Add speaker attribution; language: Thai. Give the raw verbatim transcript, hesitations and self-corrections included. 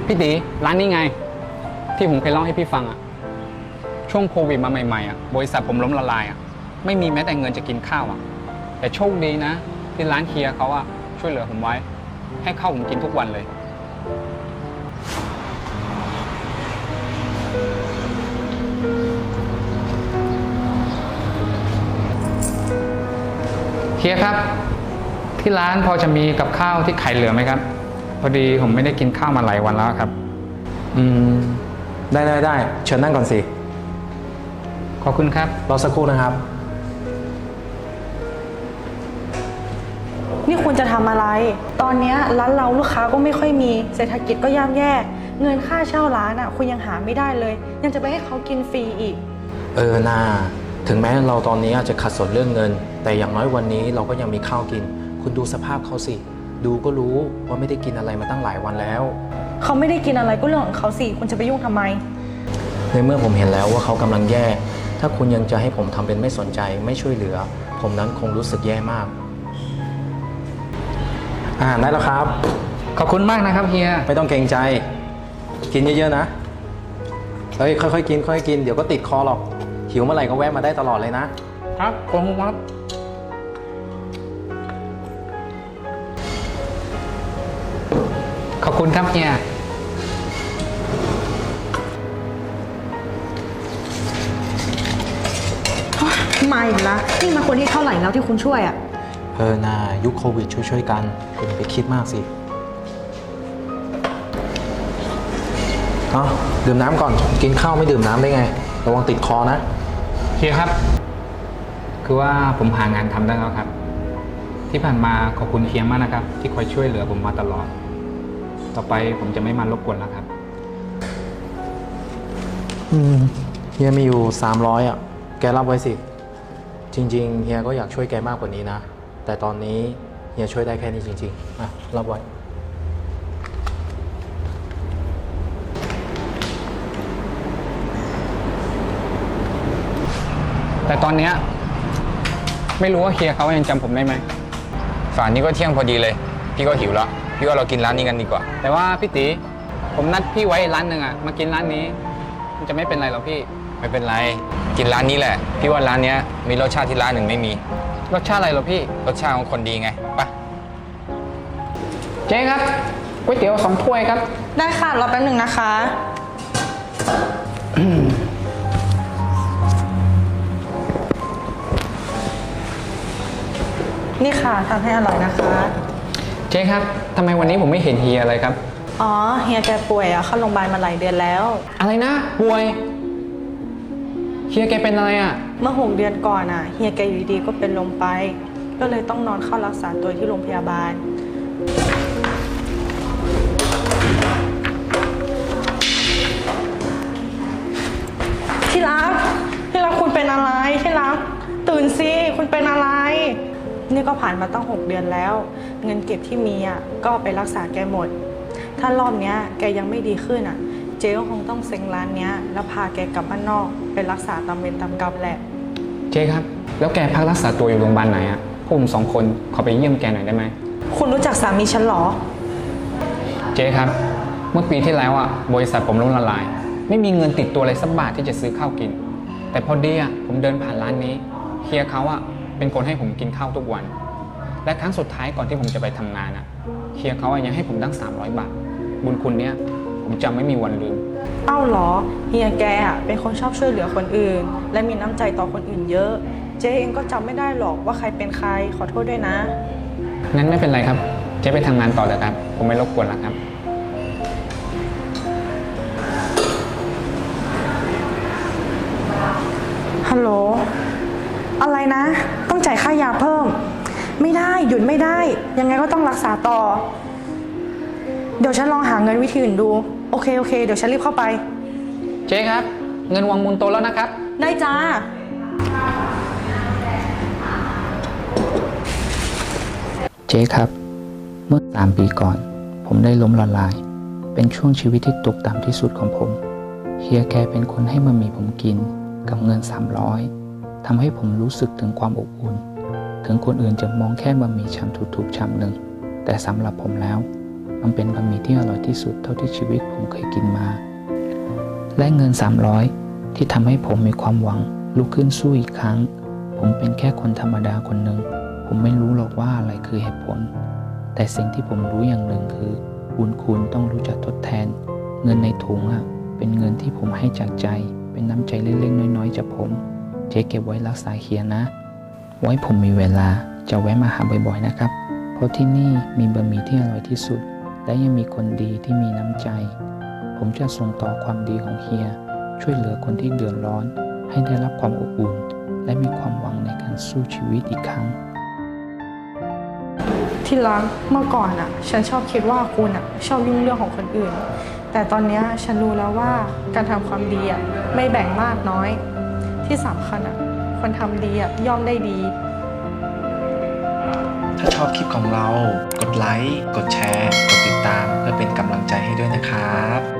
Speaker 1: พี่ตีร้านนี้ไงที่ผมเคยเล่าให้พี่ฟังอะช่วงโควิดมาใหม่ๆอะบริษัทผมล้มละลายอะไม่มีแม้แต่เงินจะกินข้าวอะแต่โชคดีนะที่ร้านเฮียเขาอะช่วยเหลือผมไว้ให้ข้าวผมกินทุกวันเลยเฮียครับที่ร้านพอจะมีกับข้าวที่ขายเหลือไหมครับพอดีผมไม่ได้กินข้าวมาหลายวันแล้วครับ
Speaker 2: อืมได้ได้ได้เชิญนั่งก่อนสิ
Speaker 1: ขอบคุณครับ
Speaker 2: รอสักครู่นะครับ
Speaker 3: นี่คุณจะทำอะไรตอนนี้ร้านเราลูกค้าก็ไม่ค่อยมีเศรษฐกิจก็ย่ำแย่เงินค่าเช่าร้านอ่ะคุณยังหาไม่ได้เลยยังจะไปให้เขากินฟรีอีก
Speaker 2: เออนาถึงแม้เราตอนนี้อาจจะขัดสนเรื่องเงินแต่อย่างน้อยวันนี้เราก็ยังมีข้าวกินคุณดูสภาพเขาสิดูก็รู้ว่าไม่ได้กินอะไรมาตั้งหลายวันแล้ว
Speaker 3: เขาไม่ได้กินอะไรก็เรื่องของเขาสิคุณจะไปยุ่งทำไม
Speaker 2: ในเมื่อผมเห็นแล้วว่าเขากำลังแย่ถ้าคุณยังจะให้ผมทำเป็นไม่สนใจไม่ช่วยเหลือผมนั้นคงรู้สึกแย่มากอาหารได้แล้วครับ
Speaker 1: ขอบคุณมากนะครับเฮีย
Speaker 2: ไม่ต้องเกรงใจกินเยอะๆนะเฮ้ยค่อยๆกินค่อยๆกินเดี๋ยวก็ติดคอหรอกหิวเมื่อไหร่ก็แวะมาได้ตลอดเลยนะครับ
Speaker 1: ขอบคุณครับขอบคุณครับเฮีย
Speaker 3: มาอีกแล้วนี่มาคนที่เท่าไหร่แล้วที่คุณช่วยอ่ะ
Speaker 2: เออนายุคโควิดช่วยๆกันคุณไปคิดมากสิเอาดื่มน้ำก่อนกินข้าวไม่ดื่มน้ำได้ไงระวังติดคอนะ
Speaker 1: เฮียครับคือว่าผมหางานทำได้แล้วครับที่ผ่านมาขอบคุณเฮียมากนะครับที่คอยช่วยเหลือผมมาตลอดต่อไปผมจะไม่มารบกวนแล้วครับ
Speaker 2: อืมเฮียมีอยู่สามร้อยอ่ะแกรับไว้สิจริงๆเฮียก็อยากช่วยแกมากกว่านี้นะแต่ตอนนี้เฮียช่วยได้แค่นี้จริงๆอ่ะรับไว้
Speaker 1: แต่ตอนนี้ไม่รู้ว่าเฮียเขายังจำผมได้ไหม
Speaker 4: ฝ่านนี้ก็เที่ยงพอดีเลยพี่ก็หิวแล้วพี่ว่าเรากินร้านนี้กันดีกว่า
Speaker 1: แต่ว่าพี่ตีผมนัดพี่ไว้ร้านหนึ่งอะมากินร้านนี้มันจะไม่เป็นไรหรอพี่
Speaker 4: ไม่เป็นไรกินร้านนี้แหละพี่ว่าร้านนี้มีรสชาติที่ร้านหนึ่งไม่มี
Speaker 1: รสชาติอะไรหรอพี่
Speaker 4: รสชาติของคนดีไงไป
Speaker 1: เจ๊ครับก๋วยเตี๋ยวสองถ้วยครับ
Speaker 3: ได้ค่ะรอแป๊บหนึ่งนะคะนี่ค่ะทำให้อร่อยนะคะ
Speaker 1: เจ๊ครับทำไมวันนี้ผมไม่เห็นเฮียอะไรครับ
Speaker 3: อ๋อเฮียแกป่วยอะเข้าโรงพยาบาลมาหลายเดือนแล้ว
Speaker 1: อะไรนะป่วยเฮียแกเป็นอะไรอะ
Speaker 3: เมื่อหกเดือนก่อนอะเฮียแกอยู่ดีๆก็เป็นลมไปก็เลยต้องนอนเข้ารักษาตัวที่โรงพยาบาลที่รักที่รักคุณเป็นอะไรที่รักตื่นสิคุณเป็นอะไรนี่ก็ผ่านมาตั้งหกเดือนแล้วเงินเก็บที่มีอ่ะก็ไปรักษาแกหมดถ้ารอบเนี้ยแกยังไม่ดีขึ้นอ่ะเจ๊ก็คงต้องเซ็งร้านเนี้ยแล้วพาแกกลับบ้านนอกไปรักษาตามเวรตามกรรมแหละ
Speaker 1: เจ๊ครับแล้วแกพักรักษาตัวอยู่โรงพยาบาลไหนอ่ะพวกผมสองคนขอไปเยี่ยมแกหน่อยได้ไหม
Speaker 3: คุณรู้จักสามีฉันหรอ
Speaker 1: เจ๊ครับเมื่อปีที่แล้วอ่ะบริษัทผมล้มละลายไม่มีเงินติดตัวเลยสักบาทที่จะซื้อข้าวกินแต่พอดีอ่ะผมเดินผ่านร้านนี้เฮียเขาอ่ะเป็นคนให้ผมกินข้าวทุกวันและครั้งสุดท้ายก่อนที่ผมจะไปทำงานอ่ะเฮียเขายังให้ผมตั้งสามร้อยบาทบุญคุณเนี้ยผมจำไม่มีวันลืม
Speaker 3: เอ้าหรอเฮียแกอ่ะเป็นคนชอบช่วยเหลือคนอื่นและมีน้ำใจต่อคนอื่นเยอะเจ๊เองก็จำไม่ได้หรอกว่าใครเป็นใครขอโทษด้วยนะ
Speaker 1: งั้นไม่เป็นไรครับเจ๊ไปทำงานต่อเลยครับผมไม่รบกวนแล้วครับ
Speaker 3: ฮัลโหลอะไรนะต้องจ่ายค่ายาเพิ่มไม่ได้หยุดไม่ได้ยังไงก็ต้องรักษาต่อเดี๋ยวฉันลองหาเงินวิธีอื่นดูโอเคโอเคเดี๋ยวฉันรีบเข้าไป
Speaker 1: เจ๊ครับเงินวางมูลโตแล้วนะครับ
Speaker 3: ได้จ้า
Speaker 5: เจ๊ครับเมื่อสามปีก่อนผมได้ล้มละลายเป็นช่วงชีวิตที่ตกต่ำที่สุดของผมเฮียแกเป็นคนให้มามีผมกินกับเงินสามร้อยทำให้ผมรู้สึกถึงความอบอุ่นถึงคนอื่นจะมองแค่บะหมี่ชามถูกๆชามหนึ่งแต่สำหรับผมแล้วมันเป็นบะหมี่ที่อร่อยที่สุดเท่าที่ชีวิตผมเคยกินมา และเงินสามร้อยที่ทำให้ผมมีความหวังลุกขึ้นสู้อีกครั้ง ผมเป็นแค่คนธรรมดาคนหนึ่งผมไม่รู้หรอกว่าอะไรคือเหตุผล แต่สิ่งที่ผมรู้อย่างหนึ่งคือบุญคุณต้องรู้จักทดแทน เงินในถุงอ่ะเป็นเงินที่ผมให้จากใจ เป็นน้ำใจเล็กๆน้อยๆจากผม เจ๊เก็บไว้รักษาเฮียนะ ไว้ผมมีเวลาจะแวะมาหาบ่อยๆนะครับ เพราะที่นี่มีบะหมี่ที่อร่อยที่สุด และยังมีคนดีที่มีน้ำใจ ผมจะส่งต่อความดีของเฮีย ช่วยเหลือคนที่เดือดร้อน ให้ได้รับความอบอุ่น และมีความหวังในการสู้ชีวิตอีกครั้ง
Speaker 3: ที่รักเมื่อก่อนอ่ะ ฉันชอบคิดว่าคุณอ่ะชอบยุ่งเรื่องของคนอื่น แต่ตอนเนี้ยฉันรู้แล้วว่าการทำความดีอ่ะไม่แบ่งมากน้อย ที่สำคัญอ่ะคนทำดีอ่ะย่อมได้ดี
Speaker 2: ถ้าชอบคลิปของเรา กดไลค์ กดแชร์ กดติดตามเพื่อเป็นกำลังใจให้ด้วยนะครับ